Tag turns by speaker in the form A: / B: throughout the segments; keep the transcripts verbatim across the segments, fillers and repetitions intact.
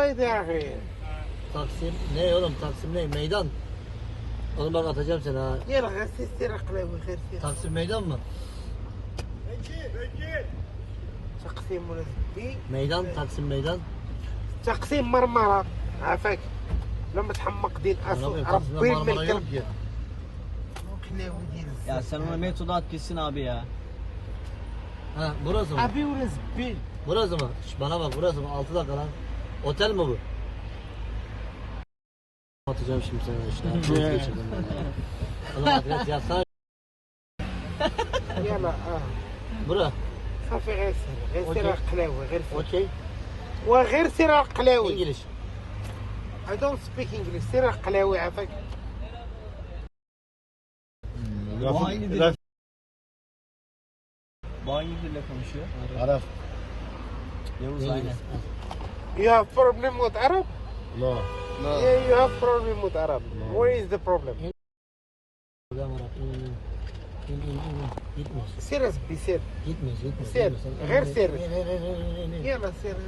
A: Haydi ya.
B: Taksim ne oğlum, Taksim ne? Meydan. Oğlum bak atacağım seni ha.
A: يلا غسل سير قلاوي غير سير.
B: Taksim meydan mı?
A: تقسيم ولا زبي.
B: Meydan, Taksim meydan.
A: تقسيم مرمرة عافاك. لما تحمق دين
B: Ana
A: اصل
B: benim Taksim'de
A: ربي
B: Marmara
A: الملك.
B: yok ki.
A: قلاوي ديال
C: Ya sen ona metodu at gitsin abi ya.
B: Ha burası mı?
A: ابي ولا زبي.
B: Burası mı? Şş, bana bak burası mı? altı dakika lan. Otel mi bu? Atacağım şimdi sana işte. Çok geçirdim ben ya. Oğlum adres yazsana.
A: يلا اه
B: Bura.
A: صافي غير سير غير سير
B: أوكي.
A: القلاوي غير سير
B: Okey.
A: وغير سير القلاوي.
B: İngiliz.
A: I don't speak English. سير القلاوي عافاك.
C: Bu hangi dil? Bu hangi dille konuşuyor?
D: Arap.
C: Yavuz
B: İngiliz.
C: aynen.
A: You have problem with Arab?
D: No.
A: Yeah, you have problem with Arab. What is the problem?
B: Program Arap. İn, in, in, in, in, in. Gitmiyoruz.
A: سير زبي سير.
B: Gitmiyoruz, gitmiyoruz.
A: Ser,
B: gitmiyoruz.
A: غير
B: İn,
A: ser.
B: in, in, in, in, in, in.
A: يلا سير.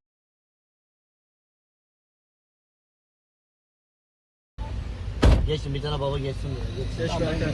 B: Geçsin bir tane baba geçsin ya. Geçsin.
C: Geç kanka.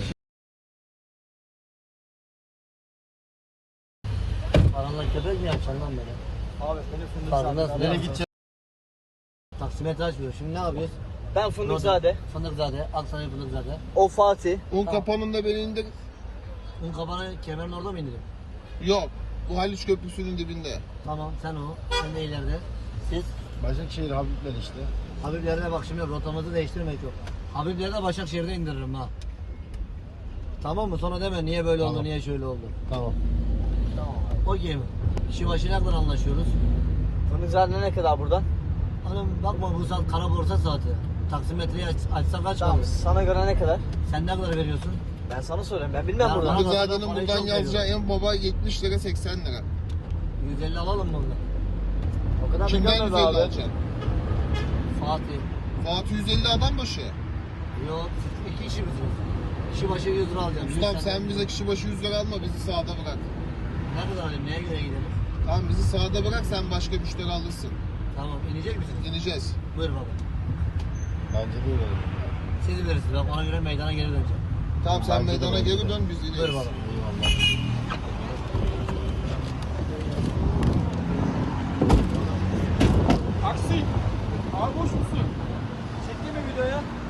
B: Aranla köpek mi yapacaksın lan böyle?
C: Abi seni fındık
B: Farkındasın
C: zade.
B: değil mi? Gideceğiz. Taksimetre açmıyor. Şimdi ne yapıyoruz?
C: Ben Fındıkzade.
B: Fındıkzade. Aksaray Fındıkzade.
C: O Fatih.
D: Un kapanında beni indir.
B: Un kapanı kemerin orada mı indirin?
D: Yok. Bu Haliç Köprüsü'nün dibinde.
B: Tamam sen o. Sen de ileride. Siz
D: Başakşehir Habibler işte.
B: Habibler'de bak şimdi rotamızı değiştirmek yok. Habibler'de Başakşehir'de indiririm ha. Tamam mı? Sonra deme niye böyle oldu,
D: Tamam.
B: niye şöyle oldu.
D: Tamam.
C: Tamam.
B: Okey mi? Kişi başı ne kadar anlaşıyoruz?
C: Fındıkzade ne kadar buradan?
B: Hanım bakma bu saat kara borsa saati. Taksimetreyi aç, açsak kaç
C: Tamam.
B: kalır?
C: Sana göre ne kadar?
B: Sen ne kadar veriyorsun?
C: Ben sana söyleyeyim. Ben bilmem
B: Ya
C: buradan.
B: bana-
D: Fındıkzade'nin
B: parayı
D: buradan
B: çok
D: yazacağı en baba yetmiş lira seksen lira.
B: yüz elli alalım mı bundan?
C: O kadar
D: Kimden
C: bilmem
D: yüz elli
C: abi.
D: alacaksın?
B: Fatih.
D: Fatih yüz elli adam başı.
B: Yok siz iki kişi misiniz? Kişi başı yüz lira alacağım. Yüz
D: Ustam
B: tane-
D: sen bize kişi başı yüz lira alma, bizi sağda bırak.
B: Ne kadar alayım? Neye göre gidelim?
D: Tamam, bizi sağda bırak, sen başka müşteri alırsın.
B: Tamam inecek misiniz?
D: İneceğiz.
B: Buyur baba.
D: Bence de öyle.
B: Siz bilirsiniz. Ben ona göre meydana geri döneceğim.
D: Tamam, sen Bence de meydana öyle. geri dön, biz ineriz.
B: Buyur baba.
C: Aksi. Abi boş musun? Çekti mi videoya?